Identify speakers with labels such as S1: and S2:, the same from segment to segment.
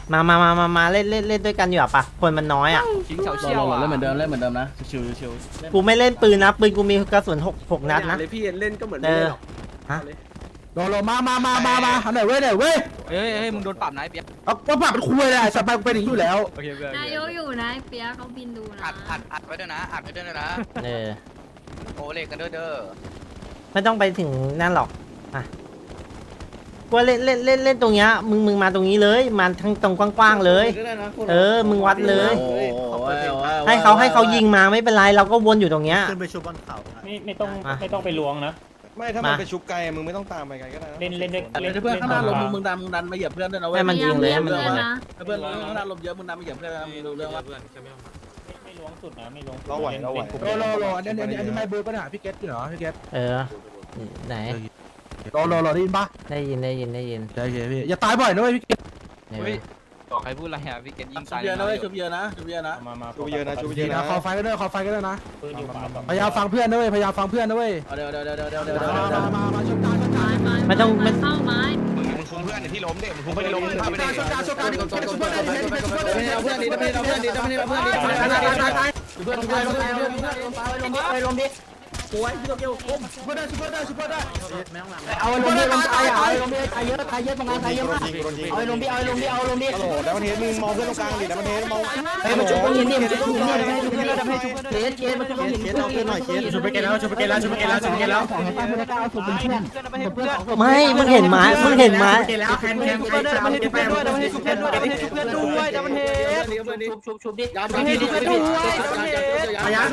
S1: มาเล่นด้วยกันอยู่ปะคนมันน้อยอ่ะ
S2: ชิงเฉาเชี่ยว
S3: เล่
S2: อ่ะ
S3: นเหมือนเดิมนะชิว
S1: กูไม่เล่นปืนนะปืนกูมีกระสุน6 นัดนะ
S4: เลยพี่เล่นก็เหมือนไม่เล่นหรอก
S1: ฮะ
S3: โลมาอันไหนเว้ย
S2: เฮ้ยมึงโดนปรับนะไอ้เปียก
S3: เอาก็ปรับเป็นคุยเลยสัตว์ไปเป็นอย่างนี้อยู่แล้ว
S2: โอเคเพื่อน
S5: นายกอยู่นะเปียกเขาบินดูนะ
S2: อัดไว้ด้วยนะอัดไว้ด้วยนะ โอเล็กกันเด้อ
S1: ไม่ต้องไปถึงนั่นหรอกอ่ะกูเล่นตรงเนี้ยมึงมาตรงนี้เลยมาทั้งตรงกว้างๆเลยมึงวัดเลย ให้เขายิงมาไม่เป็นไรเราก็วนอยู่ตรงเนี้ย
S6: ขึ้นไปชุบบนเขา
S7: ไม่ต้องไปล้วงนะ
S4: ไม่ถ้ามันไปชุบไกลมึงไม่ต้องตามไปไกลก็ได้
S7: เล่นด้วย
S3: เพื่อนข้างหน้าลมมึงดันมาเหยียบเพื่อนด้วยนะเว้ย
S1: ให้มันยิงเลย
S5: พาา
S1: ให้มันยิงเลย
S5: นะ
S3: เพื่อนข้างหน้าลมเยอะมึงดันมาเหยียบเพื่อนนะมึงรู้เรื่องว่า
S7: ไม่ล้วงสุดนะไม่ล้วง
S4: เราไหว
S3: โลอันนี้ไม่เบอร์ป่ะเนี่ยพี่เกตเหรอพี่เกต
S1: ไหน
S3: โลได้ยินป่ะ
S1: ได้ยิน
S3: ใช่พี่อย่าตายบ่อยนะเว้ยพี่เกต
S2: บอกใครพูดอะไรอ่ะพี่เกตยิง
S3: ชุ
S2: ตา
S3: บ
S2: ย
S3: เยอะนะเว้ยชุบเยอะนะ
S7: มา
S4: ชุบเยอะนะชุบเยอะนะ
S3: คอไฟก็ได้คอไฟก็ได้นะ
S7: ปืนอยู่ขวาต่อ
S3: พยายามฟังเพื่อนนะเว้ยพยายามฟังเพื่อนนะเว้ยเดี๋ยวมาชนการ
S1: ไม่ต้องไม่
S5: เข้าไม้
S2: มึงคุมเพื่อนที่ล้มเด็กมึงคุมไม่ได้ล้มพาไปเด็ก
S3: ชนการเพื่อนดีเพื่อนเอาลงดิลงตายเยอะตรงนั้นตายเยอะมากเอาลงดิโอ้โหแล้วมันเห็นมึงมองเพื่อนตรงกลางดิแล้วมันเห็นมองมันชุบต้องเห็นดิมันชุบต้องเห็นดิให้ชุบเกตมันชุบต้องเห็นเอาเกตหน่อยเกตชุบไปเกตแล้วของให้ป้าเพื่อนก้าวสุดเป็นเพื่อน
S1: ไม่มึงเห็นไหม
S3: แคนมันให้ชุบเพื่อนด้วยมันให้ชุบเพื่อนด้วยชุบดิยัดมันให้ชุบเพื่อนด้วยมายัด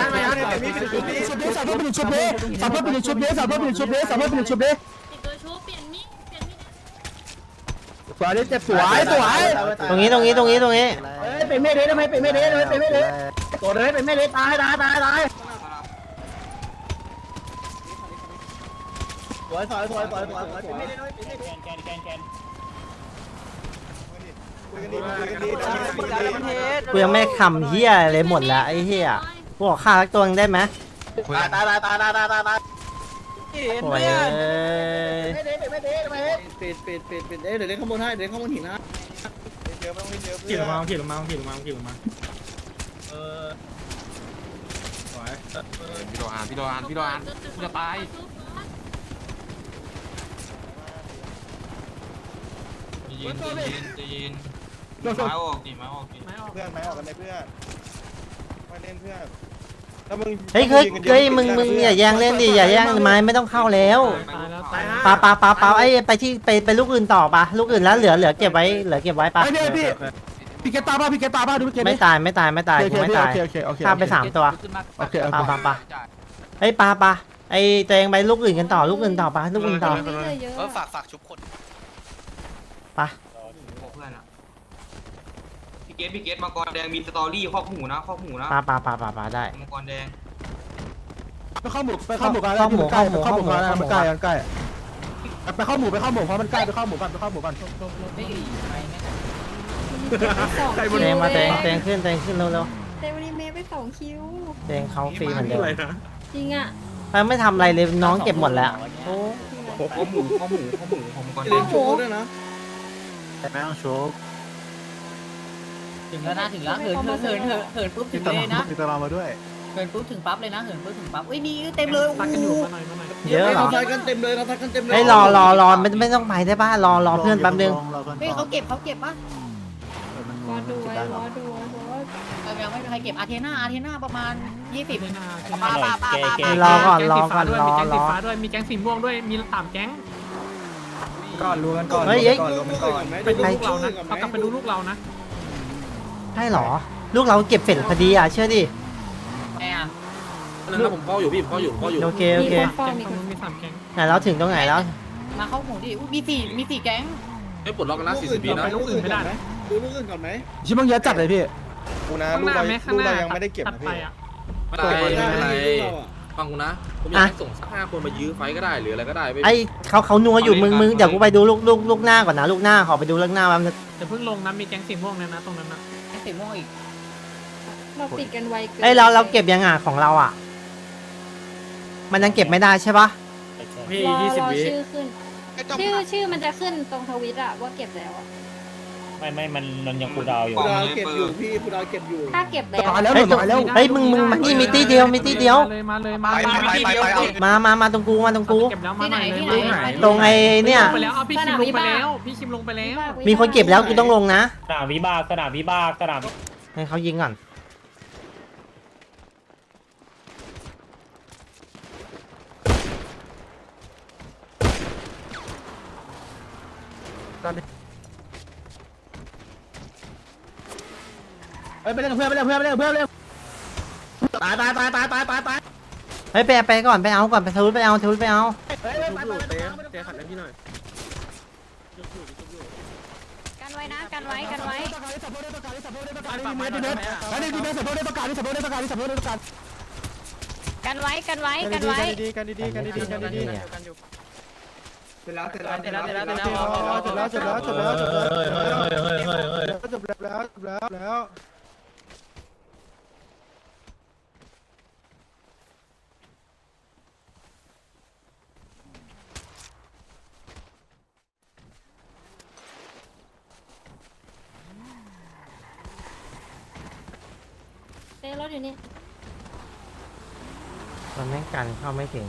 S3: สับเพื่อนชุบดิสับเพื่อนชุบดิ
S5: ตัวชูเปลี่ยนมีดเปลี่ยนมีด
S3: สวยเจ็บสวย
S1: ตรงนี้
S3: เป็นไม่ได้ทำไมเป็นไม่ได้ตัวเลยเป็นไม่ได้ตายสวยเป็นไม่ได้ด้วย
S7: แกน
S1: กูยังไม่คำเฮียเลยหมดแล้วไอ้เฮียกูขอฆ่าสักตัวนึงได้ไหม
S3: ตาย
S1: โอ้ย
S3: ไม่ได้ปิดเดี๋ยวเล่นข้างบนให้เดี๋ยวข้างบนหินนะ
S4: เยอะไม่ต้องเล่นเยอะ
S7: ขี่ลงมา
S2: พี่โดนจะตาย ยินไม้ออกดิไม้ออก
S4: เพื่อนไม้ออกกันเลยเพื่อนมาเล่นเพื่อนถ้ามึง
S1: เฮ้ยมึงอย่าแย่งเล่นดิอย่าแย่งไม้ไม่ต้องเข้าแล้วปาไอ้ไปลูกอื่นต่อปะลูกอื่นแล้วเหลือเก็บไว้ปะ
S3: พี่แกตาบ้าดูพี่แก
S1: ไม่ตายกูไม่ตายฆ่าไป3 ตัวปาเฮ้ยปาไอ้ตัวเองไปลูกอื่นกันต่อลูกอื่นต่อปะลูกอื่นต่อ
S5: เยอะ
S2: ฝากชุบคน
S1: ปะ
S2: เพื่อนอะพี่เกตมังกรแดงมีสตอรี่คอกหูนะ
S1: ปาได้
S2: มังกรแดง
S3: ไปเข้าหมูกันมันใกล้ไปเข้าหมูเพราะมันใกล้ไปเข้าหมูกัน
S1: แตงมาแตงขึ้นเร็ว
S5: เตวันนี้เมย์ไป2 คิว
S1: แตงเขาฟรีเหมือนเดิม
S5: จริงอ่ะ
S1: ไม่ทำอะไรเลยน้องเก็บหมดแล้วโอ้
S2: ข้อหมูของมังกรแด
S5: โอ้
S2: ง
S5: โห
S6: ไม่ต้องชุบ
S8: ถึงแล้วนะถึงแล้วเหินปุ๊บถึงเลยนะ
S6: มีตารางมาด้วย
S8: เหินปุ๊บถึงปั๊บเลยนะเหินปุ๊บถึงปั๊บอุ้ยมีเต็มเลย
S7: ตักกันอยู่มาหน่อย
S1: เยอะเหรอ
S3: ทักกันเต็มเลย
S1: เฮ้ยรอไม่ต้องไปได้ป่ะรอเพื่อนแป๊บนึง
S8: เฮ้ยเขาเก็บป่ะ
S5: รอดูไว้รอดู
S8: ยังไม่มีใครเก็บอาเทน่าประมาณ20
S7: แก
S1: รอก่อน
S7: มีแก๊งสีฟ้าด้วยมีแก๊งสีม่วงด้วยมี3 แก๊ง
S4: ก่อนรู้กันก่อน
S1: เฮ้ย
S4: รู้กันก่อน
S7: ไปดูลูกเรานะเขากลับไปดูลูกเรานะ
S1: ใช่เหรอลูกเราเก็บเสร็จพอดีอ่ะเชื่อดิ
S8: แม่
S3: แล้วผมเข้าอยู่พี่ผมเข้าอยู่
S1: โอเค
S5: มีคนเฝ้า
S7: แก๊ง
S5: มี
S7: ต
S5: ค
S7: รง
S5: น
S7: นู้นมี3 แก๊ง
S1: ไหนเราถึงตรงไหนแล้ว
S8: มาเข้าหมูดิมี4แก๊ง
S3: ไม่ปลดล็อกกันนะ40 ปีนะ
S7: ไปลูกอื่นไม่ได้นะ
S3: ดูลูกอื่นก่อนไหมชิบังเยอะจัดเลยพี่
S4: กูนะ
S7: ข้าง
S4: ลู
S7: ห
S4: ก
S7: น้า
S4: เรา
S7: ไหมข้าง
S4: ลูก
S7: หน้า
S4: เรายังไม่ได้เก็บ
S7: ตัด
S4: นะ
S7: ไป
S4: พี่
S7: อ่ะ
S3: ไม่เป็นไรฟังกูนะผมอยากให้ส่งสัก5 คนมายื้อไฟก็ได้หรืออะไรก็ได้
S1: ไอ้เขานัวอยู่มึงเดี๋ยวกูไปดูลูกหน้าก่อนนะลูกหน้าขอไปดูลูกหน้าแป๊บนึง
S7: จะเพิ่งลงนะมีแก๊งสีม่วงนะตรงนั้นนะ
S8: สีม่วงอีก
S5: เราปิดกันไวเกิน
S1: เอ้ยเราเก็บยังอ่ะของเราอ่ะมันยังเก็บไม่ได้ใช่ปะ
S7: พี่
S5: รอ
S7: 20 วิ
S5: ชื่อขึ้นชื่อมันจะขึ้นตรงทวิตอะว่าเก็บแล้วอะ
S6: ไม่มันยังกูดาวอยู่
S2: ผู้ดาวเก็บอยู่พี่
S5: ถ้าเก็บแล้ว
S3: ตายแล้วหมดแล้ว
S1: เฮ้ยมึงมานี่มีตีเดียวมีตีเดียว
S7: มาเลย
S1: มาตรงกูมาตรงกู
S7: เก็บแล้วมา
S5: ที่
S7: ห
S5: ไหน
S7: น่อย
S5: ที่ไหน
S1: ตรงไอ้เนี่ย
S7: ลงไปแล้วเอาพี่คิมลงไปแล้วพี่คิมลงไปแล้ว
S1: มีคนเก็บแล้วกูต้องลงนะ
S6: สนามวิบาก
S1: ให้เขายิงก่อน
S3: เฮ้ยไปเล่นกับเพื่อนไปเล่นตาย
S1: เฮ้ยไปก่อนไปเอาก่อนไปทะลุไปเอาทะลุไปเอา
S5: กันไว้นะกันไว้กันไว้ กันไว้กันไว้กันไว้
S4: กันดีๆ
S2: เสร็จแล้ว
S4: จบแล้ว
S5: เต้รถอยู่นี่
S1: มันแม่งกันเข้าไม่ถึง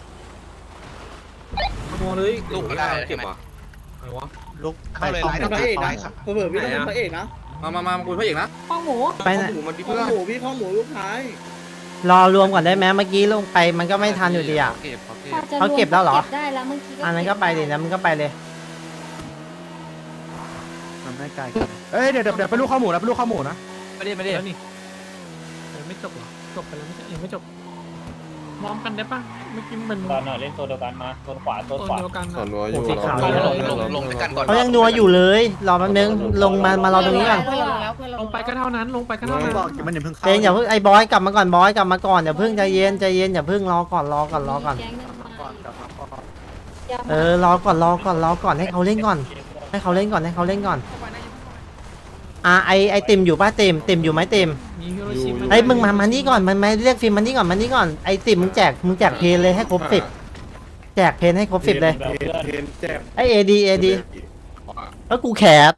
S2: มองเลยลูกไม่ได้เก็บว่ะ
S6: ลุก
S4: เข้าเลยไลน์พระเอกนะเผื่อพี่ต้องเป็นพระเอกนะ
S2: มาคุยพระเอกนะ
S5: ข้องหมู
S1: ไปไหน
S2: หมูมันพี่
S4: ข้อ
S2: เพื่อน
S4: หมูพี่ข้อหมูลูกท้าย
S1: รอรวมก่อนได้ไหมเมื่อกี้ลงไปมันก็ไม่ทันอยู่ดีอ่ะ เขาเก็บแล้วเหรอ
S5: เก็บได้แล้วเมื่อกี้
S1: อันนั้นก็ไปดินะมึงก็ไปเลย
S6: มันไม่ไกลกัน
S3: เอ้ยเดี๋ยวไปลูกข้าวหมูนะไปลูกข้าวหมูนะ
S7: ไม่ได้แล้วนี่ยังไม่จบหรอจบไปแล้วไม่ใช่ยังไม่จบมอมกันได้ปะเมื่อกี้มัน
S6: ตอนน่ะเล่นโซนเดียวกันมาโซนขวา
S7: ตัวเดียวกัน
S4: ส่วนวัวอ
S1: โอ้
S4: ยู่
S1: สีขาว
S2: ลงกันก่อน
S1: เขายังนัวอยู่เลยรอแป๊บนึงลงมารอตรงนี้ก่อน
S8: เพื่อนเราลงแล้วเพื่อนเรา
S7: ลงไปก็เท่านั้นลงไปก็เท่านั้น
S6: บอกมันอย่าเพิ่งเข้า
S1: เจนอย่าเพิ่งไอ้บอยกลับมาก่อนบอยกลับมาก่อนอย่าเพิ่งใจเย็นอย่าเพิ่งรอก่อน
S5: แก๊งหนึ่งมา
S6: ก่อนกลับมาก่อน
S5: อย่ามา
S1: รอก่อนให้เขาเล่นก่อนให้เขาเล่นก่อนไอติมอยู่ป่ะติมอยู่ไหมติม
S7: มีฮิโรชิมา
S1: ไอ้มึงมานี่ก่อนมันไม่เรียกฟิล์มมานี่ก่อนไอติมมึงแจกเพลเลยให้ครบ10แจกเพลให้ครบ10เลย
S6: แบบเพื่อน
S4: เทนแจ็บ
S1: ไอเอดีแล้วกูแคส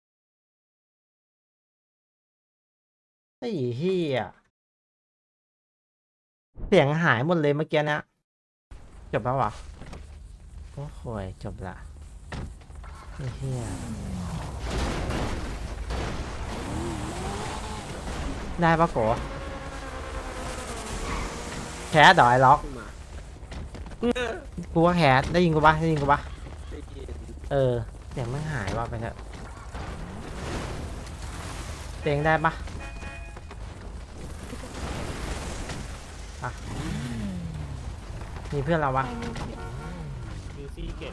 S1: ไอ้เหี้ยเสียงหายหมดเลยเมื่อกี้นะจบแล้ววะโอ้โหจบละไอ้เหี้ยได้ปะโกแคสดอยล็อกกูว่าแคสได้ยินกูปะเสียงมันหายว่ะไปเถอะเสียงได้ปะอ่ะมีเพื่อนเราปะ
S6: ยูซี่เก็บ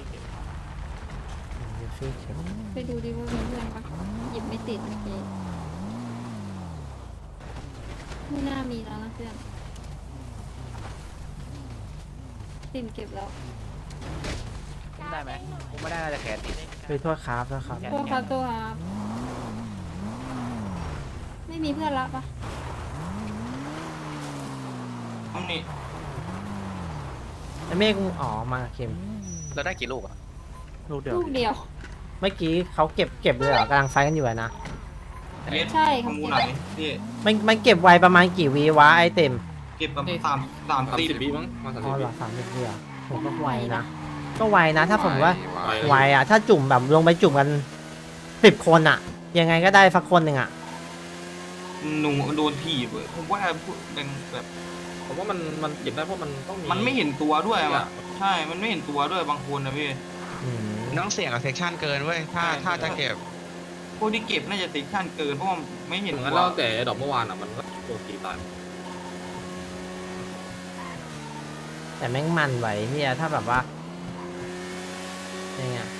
S5: ไปดูดิว่ามีเพื่อนปะหยิบไม่ติดเมื่อกี้ไม่น่ามีแล้วนะเพื่อนติ่มเก็บแล้ว
S8: ได้ไหมผมไม่ได้น่าจะแขนติด
S1: ไปโทษครับแล้วครับ
S5: ตัวครับตัวครับไม่มีเพื่อนละปะ
S2: นี่
S1: ไอเมฆมาเข็ม
S2: เราได้กี่ลูกอ่ะ
S6: ลูกเดียว
S5: ลูกเดียว
S1: เมื่อกี้เขาเก็บเลยเหรอกำลังไฟกันอยู่อะนะ
S5: ใช่
S2: ข
S5: เขา
S2: มู
S5: เก็บ
S2: ไหนพี่
S1: มันเก็บไวประมาณกี่วีวะไอเต็ม
S2: เก็บประมาณ30 วิมั้งมา
S1: อ๋อเหรอ30วีอะผมก็ไวนะก็ไวนะถ้าผมว่าไวอะถ้าจุ่มแบบลงไปจุ่มกัน10 คนอะยังไงก็ได้สักคนหนึ่งอะ
S2: หนูโดนถีบผมว่าเป็นแบบ
S9: ผมว่ามันเก็บได้เพราะมันต้องมี
S2: มันไม่เห็นตัวด้วยอ่ะใช่ มันไม่เห็นตัวด้วยบางคนนะพี่
S1: อืม
S10: ต้องเสี่ยงกับเซ็กชันเกินเว้ยถ้าจะเก็บ
S2: พวกที่เก็บน่าจะติดขั้นเกินเพราะว่าไม่เห็น
S9: ถึง
S2: ตั
S9: งั้น
S2: ว
S9: เราแต่ดอกเมื่อวานอ่ะมันก็โดนตีตาย
S1: แต่แม่งมันไหวเฮียถ้าแบบว่ายังไง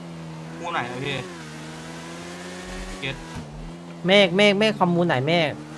S2: คู่ไหนนะพี่
S1: เมฆคอมมูนไหนเมฆ